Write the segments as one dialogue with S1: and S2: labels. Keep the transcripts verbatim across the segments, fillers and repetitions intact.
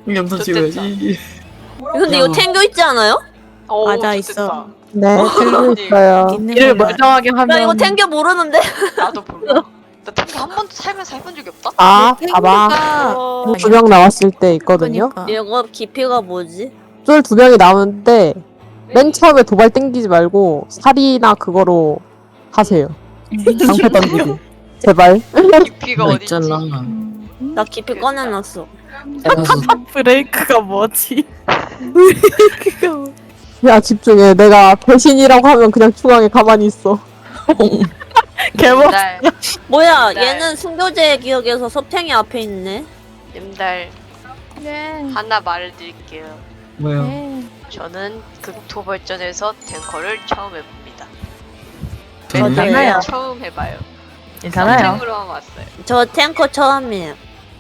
S1: 영상 찍어야지.
S2: 근데 이거 탱겨 있지 않아요?
S3: 오,
S4: 맞아,
S3: 좋겠다.
S4: 있어.
S5: 네, 들고 있어요.
S4: 있는
S6: 이를
S4: 걸로
S6: 멀쩡하게 하면
S2: 나 이거 탱겨 모르는데.
S3: 나도 몰라. 나 탱크 한 번도 살면서 해본 적이 없다.
S5: 아,
S4: 네,
S5: 봐봐.
S2: 어...
S5: 두 명 나왔을 때 있거든요.
S4: 그러니까.
S2: 이거 깊이가 뭐지?
S5: 쫄 두 명이 나오는데 맨 처음에 도발 땡기지 말고 살이나 그거로 하세요. 방패 던지기. 제발.
S3: 깊이가
S1: 나
S3: 어딨지?
S1: 있잖아.
S2: 나 깊이 꺼내놨어.
S1: 알아서
S6: 브레이크가 뭐지? 브레이크가 뭐
S5: 야, 집중해. 내가 배신이라고 하면 그냥 중앙에 가만히 있어.
S6: 개멋
S3: 날,
S2: 뭐야?
S3: 네.
S2: 얘는 순교제의 기억에서 섭탱이 앞에 있네.
S3: 님들
S4: 네.
S3: 하나 말을 드릴게요.
S1: 뭐야?
S4: 네.
S3: 저는 극토 벌전에서 탱커를 처음 해봅니다.
S2: 저도요.
S6: 괜찮아요.
S3: 처음 해봐요.
S6: 괜찮아요.
S3: 선생으로만 왔어요.
S2: 저 탱커 처음이에요.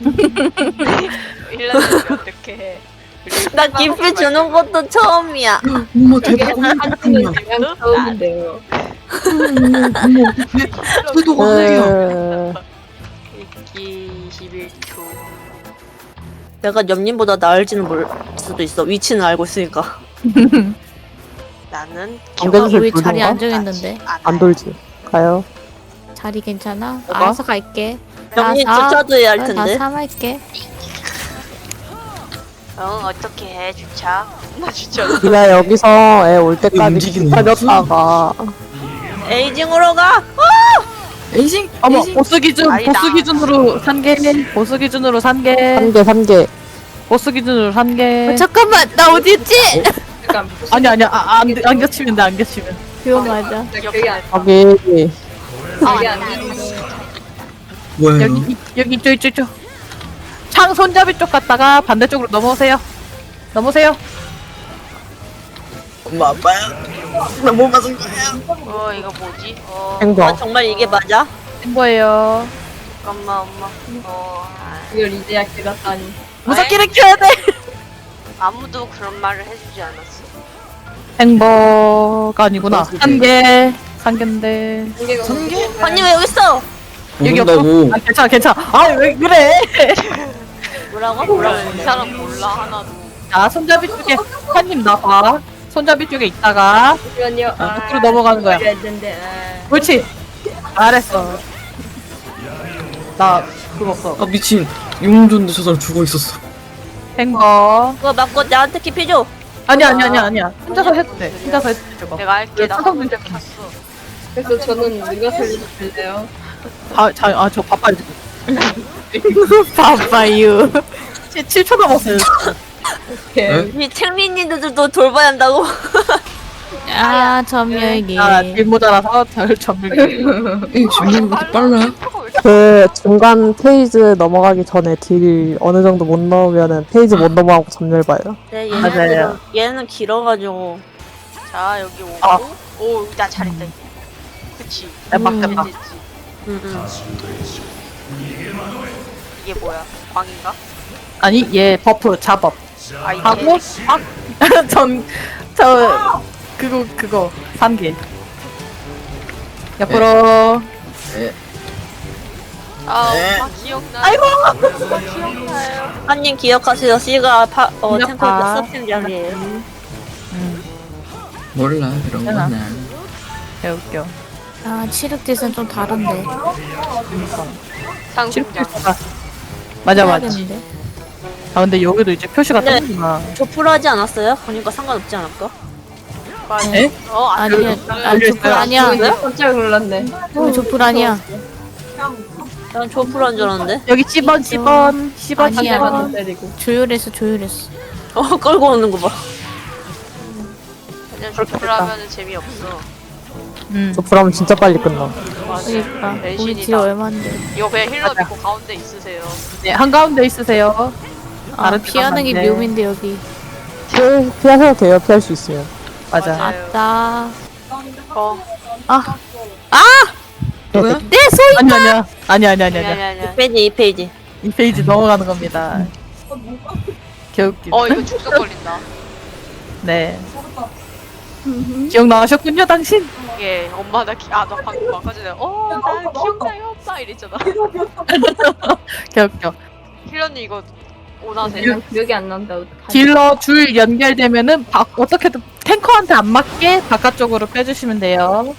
S3: 일 년인데 어떻게 해?
S2: 나 깊이 주는 것도 처음이야.
S1: 어머 대박. 어머
S3: 그냥 처음인데요.
S1: 태도가 하네요.
S5: 그...
S3: 읽기 이십일 초.
S2: 내가 옆님보다 나을지는 모를 수도 있어. 위치는 알고 있으니까.
S3: 나는
S5: 안 돼도
S4: 우리
S5: 돌던가?
S4: 자리 안정했는데.
S5: 안 돌지. 가요.
S4: 자리 괜찮아?
S5: 뭐가?
S4: 알아서 갈게.
S2: 옆님
S4: 나 사-
S2: 주차도 해야 할
S4: 나
S2: 텐데.
S4: 삼 할게.
S3: 어 어떻게 해 주차? 나 주차.
S5: 니가 여기서 애 올 때까지
S1: 움직이는
S5: 기다렸다가
S2: 에이징으로 가.
S1: 에이징.
S6: 어머
S1: 에이징.
S6: 보스 기준
S3: 아니다.
S6: 보스 기준으로 산 개. 보스 기준으로 산 개.
S5: 한 개, 한 개.
S6: 보스 기준으로 산 개.
S4: 어, 잠깐만, 나 어디 있지?
S6: 아니 아니야. 아, 안, 안 겹치면 돼. 안 겹치면.
S4: 그거 맞아.
S3: 여기 안.
S5: 여기
S1: 뭐야?
S6: 여기 이- 여기 이쪽 이쪽 이쪽. 창 손잡이 쪽 갔다가 반대쪽으로 넘어오세요. 넘어오세요.
S1: 엄마 아빠야. 나 뭐 맞은 거야?
S3: 어 이거 뭐지? 어
S5: 행거.
S2: 아, 정말 이게 맞아?
S6: 된 거예요.
S3: 잠깐만 엄마. 어 아,
S7: 이걸 이제야 깨닫다니.
S6: 무섭기를 켜야 돼.
S3: 아무도 그런 말을 해주지 않았어.
S6: 행보가 아니구나. 한 개. 한 개인데.
S1: 성게?
S2: 언니 왜 여기 있어?
S6: 여기
S1: 모른다고.
S6: 없어. 아, 괜찮아 괜찮아. 아 왜 그래?
S2: 뭐라고?
S3: 몰라 이 사람 몰라 하나도.
S6: 자 손잡이 쪽에 한님 나봐. 손잡이 쪽에 있다가
S7: 잠시만요. 아,
S6: 밖으로 넘어가는 거야.
S7: 했는데. 아.
S6: 그렇지. 잘했어. 나 그거 없어.
S1: 아 미친. 용 줬는데 저 사람 죽어 있었어.
S6: 행거.
S2: 그거 맞고 나한테 깊이 줘.
S6: 아니야 아니야 아니야 아니야. 혼자서 해도 돼. 혼자서 해도 돼 저거.
S3: 내가 할게. 나
S6: 찬성
S3: 한번
S6: 문제
S3: 탔어.
S7: 그래서 저는 누가 살려줄래요?
S6: 아자아저 바빠요 지금. 바빠요. 칠 초 남았어요.
S1: 네?
S2: 이 탱민이들도 돌봐야 한다고.
S4: 아, 점멸기.
S6: 아, 일 모자라서 절 전멸.
S1: 에이 지금 왜 이렇게 빨라?
S5: 그 중간 페이지 넘어가기 전에 딜 어느 정도 못 넣으면은 페이지 못 넘어가고 점멸 봐요.
S2: 네,
S6: 맞아요.
S2: 얘는 얘는 길어가지고.
S3: 자 여기 오고.
S6: 아.
S3: 오 나 잘했다 이제. 그치.
S6: 대박
S2: 음.
S6: 대박.
S3: 됐지.
S2: 응, 응.
S3: 이게 뭐야? 광인가?
S6: 아니 얘 버프 자법.
S3: 아 이게.
S6: 하고 전저 그거 그거 삼 개. 옆으로.
S3: 아
S1: 네.
S3: 엄마 기억나. 아이고. 엄마 기억나요.
S2: 한님 기억하세요. C가 파, 어
S6: 기억하.
S2: 탱커 서핑장이에요.
S6: 음,
S1: 몰라 그런
S6: 괜찮아.
S1: 거는.
S6: 개웃겨.
S4: 아, 치륵짓은 좀 다른데.
S3: 상승장.
S6: 실패가. 맞아 맞아.
S4: 해야겠는데?
S6: 아 근데 여기도 이제 표시가
S2: 네.
S6: 뜨는구나.
S2: 조프로 하지 않았어요? 그러니까 상관없지 않을까?
S3: 맞아.
S6: 에?
S3: 어 안.
S4: 아니야, 아,
S6: 여기
S4: 조풀
S6: 있어요.
S4: 아니야.
S7: 저 깜짝 놀랐네.
S4: 어, 조풀 아니야.
S2: 난 조프로 한 줄 알았는데.
S6: 여기 십 번 십 번 십 번
S4: 아니야.
S6: 십 번.
S7: 때리고.
S4: 조율했어, 조율했어.
S2: 어 끌고 오는 거 봐.
S3: 그냥 조프라면은 재미없어.
S6: 음.
S5: 저 불하면 진짜 빨리 끝나.
S3: 맞아.
S4: 그러니까. 우리
S3: 배신이다.
S4: 딜 얼만데.
S3: 이거 그냥 힐러
S6: 맞아.
S3: 믿고 가운데 있으세요.
S6: 네, 한가운데 있으세요.
S4: 아,
S6: 다른
S4: 피하는 게
S6: 데만 맞네.
S4: 묘미인데, 여기.
S5: 피해, 피하셔도 돼요. 피할 수 있으면.
S6: 맞아.
S3: 맞아요.
S4: 아따.
S3: 어.
S6: 아,
S1: 뭐야?
S4: 내 소리!
S6: 아니 아니야. 아니 아니 아니
S3: 아니
S6: 아니.
S3: 아니 아니.
S2: 이 페이지 이 페이지.
S6: 이 페이지 넘어가는 겁니다. 개웃기.
S3: 어 이거 축소 걸린다.
S6: 네. 기억나셨군요, 당신.
S3: 이게 엄마 나 기, 아나 방금 아까 전에 어나 기억나요 엄마 이랬잖아.
S6: 개웃겨.
S3: 힐러님 이거 오나세요?
S7: 그냥 기억이 안 난다. 어떡하지?
S6: 딜러 줄 연결되면은 바, 어떻게든 탱커한테 안 맞게 바깥쪽으로 빼주시면 돼요.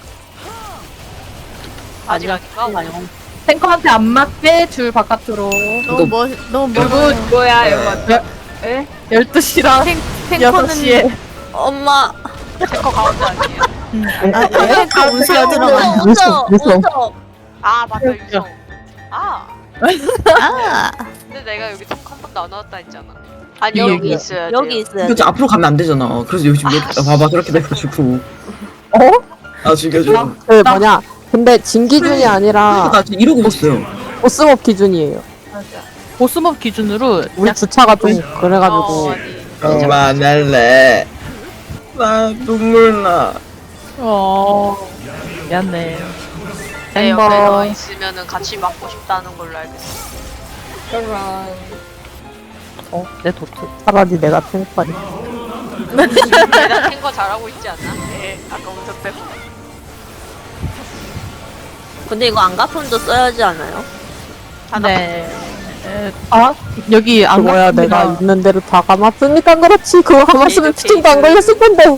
S3: 아직 아닌가?
S6: 탱커한테 안 맞게 줄 바깥으로.
S4: 너무 멋 너무
S6: 그리고
S4: 멋.
S7: 뭐야 이거? 에?
S6: 열두 시랑 여섯 시에
S2: 엄마.
S3: 탱커 가운데 아니에요?
S4: 아, 탱커 운석 들어가요.
S2: 웃어,
S5: 웃어.
S2: 웃어.
S3: 아 맞다 유성. 아
S4: 아,
S3: 근데 내가 여기 탱커 한 번도 안 나왔다 했잖아. 아니
S1: 여기,
S3: 여기 있어야 돼요.
S2: 여기 있어야 돼.
S1: 그치 앞으로 가면 안 되잖아. 그래서 요즘 이렇게
S3: 아,
S1: 봐봐 그렇게 돼가지고.
S5: 어?
S1: 아 죽여줘.
S5: 그 뭐냐. 근데 진 기준이 아니라
S1: 나 지금 이러고 있어요.
S5: 보스몹 기준이에요.
S6: 보스몹 기준으로
S5: 우리 주차가 좀
S3: 어,
S5: 그래가지고.
S3: 아니.
S1: 그만할래. 나 눈물 나.
S6: 어 미안해.
S3: 내 옆에 너
S6: 탱커
S3: 있으면은 같이 맞고 싶다는 걸로 알겠어.
S7: 저런.
S6: 어내 도트.
S5: 차라리 내가 탱커니.
S3: 내가 탱커 잘하고 있지 않나? 네, 아까 운석 빼고.
S2: 근데 이거 안 갚음도 써야지 않아요?
S6: 네. 에, 아 여기 안
S5: 그거야
S6: 갔습니다.
S5: 내가 있는 대로 다 감았으니까 그렇지. 그거 감았으면
S3: 게이드,
S5: 피팅도 안
S3: 게이드.
S5: 걸렸을 건데.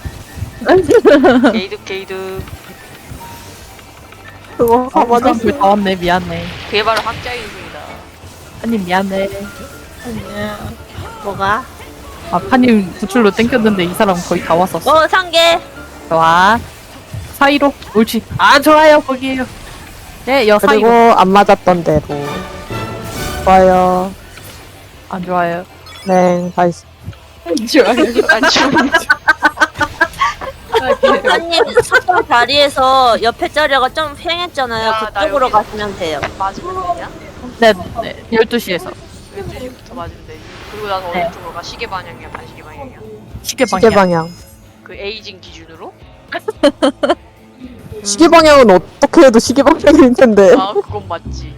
S3: 게이드 게이드.
S5: 그거
S6: 아,
S5: 감아줬어.
S6: 불다 왔네 미안해.
S3: 그게 바로 함자이입니다.
S6: 파님 미안해.
S2: 뭐가?
S6: 아 파님 구출로 땡겼는데 이 사람 거의 다 왔었어.
S2: 어, 상계.
S6: 좋아. 사이로 옳지. 아 좋아요 거기에요. 네 여
S5: 그리고
S6: 사이로.
S5: 안 맞았던 대로. 좋아요.
S6: 안 좋아요.
S5: 네, 다시.
S7: 좋아요.
S3: 안 좋은
S2: 한님 석방 자리에서 옆에 자리가 좀 횡했잖아요.
S3: 야, 나
S2: 그쪽으로
S3: 여기-
S2: 가시면 돼요.
S3: 맞으면 되냐?
S6: 네, 네 열두 시에서
S3: 열두 시부터 맞으면 되지. 그리고 나서
S6: 네.
S3: 어느 쪽으로 가? 시계 방향이야, 반시계 방향이야?
S6: 시계 방향.
S5: 시계 방향.
S3: 그 에이징 기준으로?
S5: 시계 방향은 어떻게 해도 시계 방향일 텐데.
S3: 아, 그건 맞지.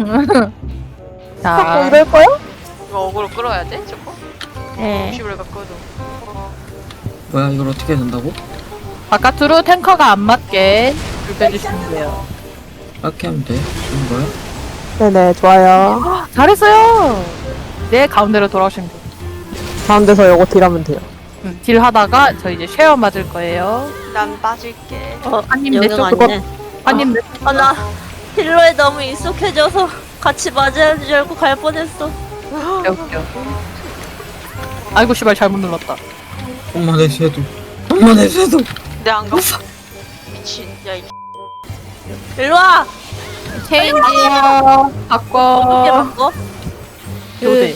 S6: 자,
S5: 자꾸 이럴 거야?
S3: 이거 어그로 끌어야 돼? 저거?
S4: 네.
S3: 십을 바꿔도.
S1: 뭐야 이걸 어떻게 해야 된다고?
S6: 바깥으로 탱커가 안 맞게 줄 빼주시면 돼요.
S1: 이렇게 하면 돼. 이런 거야?
S5: 네네, 좋아요.
S6: 잘했어요. 네 가운데로 돌아오시면 돼요.
S5: 가운데서 요거 딜하면 돼요.
S6: 음, 딜 하다가 저 이제 쉐어 맞을 거예요.
S3: 난 빠질게.
S2: 어,
S6: 한님
S2: 여기
S6: 내 쪽,
S2: 맞네.
S6: 파님 내
S2: 아, 나 힐러에 너무 익숙해져서 같이 맞아야 줄 알고 갈 뻔했어.
S6: 웃겨 웃겨. 아이고 씨발 잘못 눌렀다.
S1: 엄마 내 쇠도. 엄마 내 쇠도.
S3: 내안 갚아. 미친. 야, 이
S2: 일로 와!
S4: 체인지.
S6: 아,
S2: 어떻게
S6: 바꿔.
S2: 바꿔?
S6: 요대.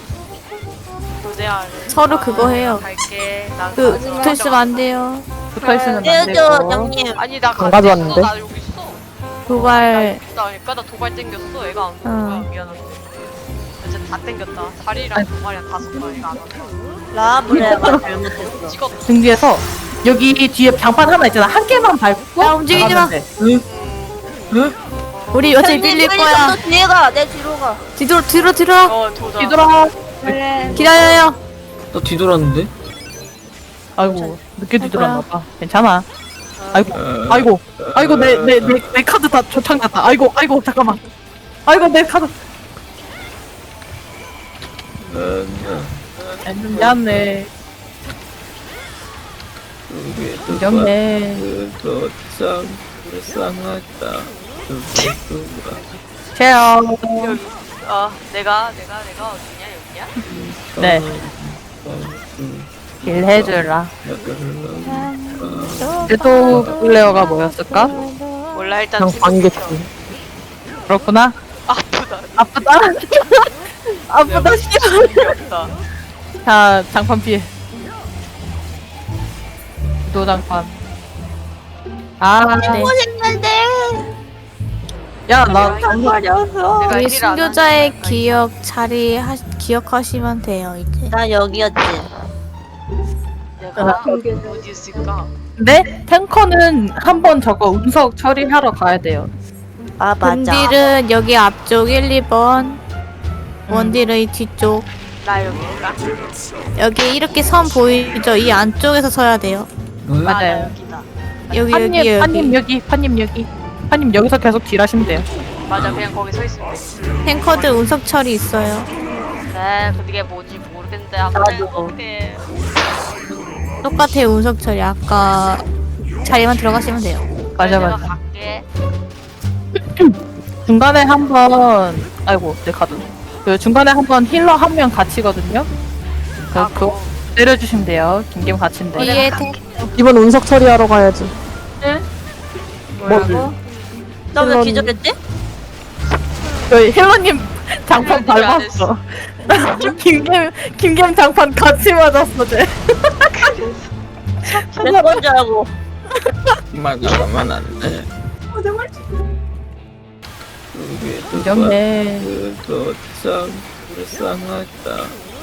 S3: 교대야.
S4: 서로 그거 해요.
S3: 갈게. 나
S4: 그
S3: 가져와.
S4: 붙어 있으면 안 돼요.
S6: 붙어 있으면 안
S2: 떼어줘,
S6: 되고.
S2: 형님.
S3: 아니, 나
S5: 안
S3: 가져왔는데?
S5: 가져왔는데?
S3: 나 여기 있어.
S4: 도발.
S3: 나니까 나 도발 땡겼어. 애가 안
S4: 어.
S3: 어. 미안한데. 이제 다 땡겼다. 다리랑 도발이랑 다섯 마리가 안 왔다.
S2: 라브레가 잘못했어.
S3: 찍었.
S6: 등 뒤에서 여기 뒤에 장판 하나 있잖아. 한 개만 밟고.
S4: 야, 움직이지 마.
S6: 나가면 돼.
S1: 응? 응?
S4: 우리 어차피
S2: 형님,
S4: 빌릴
S2: 빨리
S4: 거야.
S2: 너 뒤에 가. 내 뒤로 가.
S4: 뒤로 뒤로 뒤로.
S3: 어, 도전.
S6: 뒤돌아.
S4: 기다려요.
S1: 나 뒤돌았는데?
S6: 아이고 늦게 뒤돌았나 봐. 괜찮아. 아이고
S1: 어,
S6: 아이고 아이고 내 내 내 내 카드 다 조창 났다. 아이고 아이고 잠깐만. 아이고 내 카드.
S1: 어,
S6: 미안해. 미안해.
S1: 도참 불쌍하다. 누구가
S6: 쉐어.
S3: 여기. 아, 내가 내가 내가 어디냐 여기야?
S6: 네. 길 해주라. 그래도 플레어가 뭐였을까?
S3: 몰라 일단
S5: 그냥
S3: 팀
S5: 관객지.
S6: 그렇구나.
S3: 아프다.
S6: 아프다. 아프다.
S3: 귀엽다.
S6: 자 장판 피해. 도 장판. 아, 네.
S2: 고생했는데.
S6: 야나
S2: 말려서.
S3: 내가
S4: 우리
S3: 일을 안
S4: 순교자의
S3: 하니까.
S4: 기억 자리 하, 기억하시면 돼요 이제.
S2: 나 여기였지.
S3: 내가 어디 있을까?
S6: 근데 탱커는 한번 저거 운석 처리하러 가야 돼요.
S2: 아, 맞아.
S4: 근딜은 여기 앞쪽 일, 이 번. 원딜은 이 뒤쪽.
S3: 나 여기인가?
S4: 여기 이렇게 선 보이죠? 이 안쪽에서 서야 돼요.
S1: 뭐야?
S3: 아, 나
S6: 맞아요.
S3: 여기다.
S4: 여기
S6: 판님
S4: 여기 여기.
S6: 판님 여기 판님 여기 판님 여기서 계속 딜하시면 돼요.
S3: 맞아, 그냥 거기 서 있으면 돼.
S4: 탱커들 운석 처리 있어요.
S3: 네, 그게 뭔지 모르겠는데 한번
S2: 나도.
S3: 해볼게.
S4: 똑같아요 운석 처리. 아까 자리만 들어가시면 돼요.
S6: 맞아
S3: 내가
S6: 맞아.
S3: 갈게.
S6: 중간에 한번 아이고 내 카드. 그 중간에 한번 힐러 한 명 갇히거든요. 그
S3: 아,
S6: 그거 때려주시면 돼요. 김김 갇힌데.
S4: 뒤에 태
S5: 이번 운석 처리하러 가야지.
S7: 뭐라고?
S2: 나 왜
S5: 물론-
S2: 기절했지?
S6: 저희 힐러님 장판
S3: 힐러님이 안
S6: 밟았어. 김김 김김 장판 같이 맞았어 쟤.
S2: 내 건지 알고.
S1: 막아가면 안 돼. 그게
S6: 이겼네.
S1: 그도 참 불쌍하다.